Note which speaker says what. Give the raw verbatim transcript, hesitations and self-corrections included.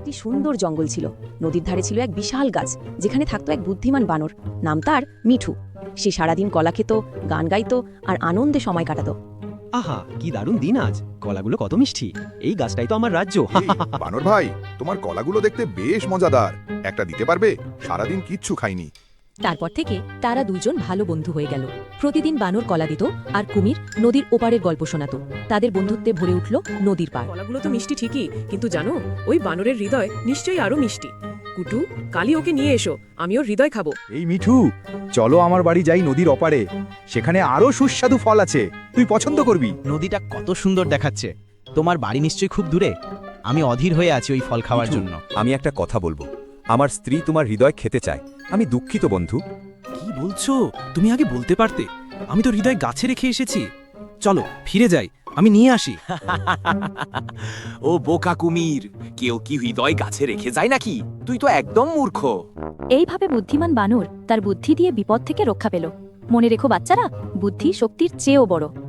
Speaker 1: একটি সুন্দর জঙ্গল ছিল। নদীর ধারে ছিল এক বিশাল গাছ, যেখানে থাকতো এক বুদ্ধিমান বানর। নাম তার মিঠু। সে সারাদিন কলা খেত, গান গাইতো আর আনন্দে সময় কাটাতো।
Speaker 2: আহা, কি দারুণ দিন আজ! কলাগুলো কত মিষ্টি! এই গাছটাই তো আমার রাজ্য।
Speaker 3: এই, বানর ভাই, তোমার কলাগুলো দেখতে বেশ মজাদার। একটা দিতে পারবে? সারাদিন কিচ্ছু খাইনি।
Speaker 4: তারপর থেকে তারা দুজন ভালো বন্ধু হয়ে গেল। প্রতিদিন বানর কলা দিত আর কুমির নদীর ওপারের গল্প শোনাতো। তাদের বন্ধুত্বে ভরে উঠল নদীর পাড়।
Speaker 5: কলাগুলো তো মিষ্টি ঠিকই, কিন্তু জানো, ওই বানরের হৃদয় নিশ্চয়ই আরো মিষ্টি। কুটু, কালি ওকে নিয়ে এসো, আমি ওর হৃদয় খাবো।
Speaker 6: এই মিঠু, চলো আমার বাড়ি যাই নদীর অপারে। সেখানে আরো সুস্বাদু ফল আছে, তুই পছন্দ করবি।
Speaker 7: নদীটা কত সুন্দর দেখাচ্ছে। তোমার বাড়ি নিশ্চয়ই খুব দূরে। আমি অধীর হয়ে আছি ওই ফল খাওয়ার জন্য।
Speaker 8: আমি একটা কথা বলবো। আমার স্ত্রী তোমার হৃদয় খেতে চায়। আমি দুঃখিত বন্ধু।
Speaker 2: কি বলছো? তুমি আগে বলতে পারতে। আমি তো হৃদয় গাছে রেখে এসেছি। চলো ফিরে যাই, আমি নিয়ে আসি।
Speaker 9: ও বোকা কুমির, কেউ কি হৃদয় গাছে রেখে যায় নাকি? তুই তো একদম মূর্খ।
Speaker 4: এইভাবে বুদ্ধিমান বানর তার বুদ্ধি দিয়ে বিপদ থেকে রক্ষা পেল। মনে রেখো বাচ্চারা, বুদ্ধি শক্তির চেয়েও বড়।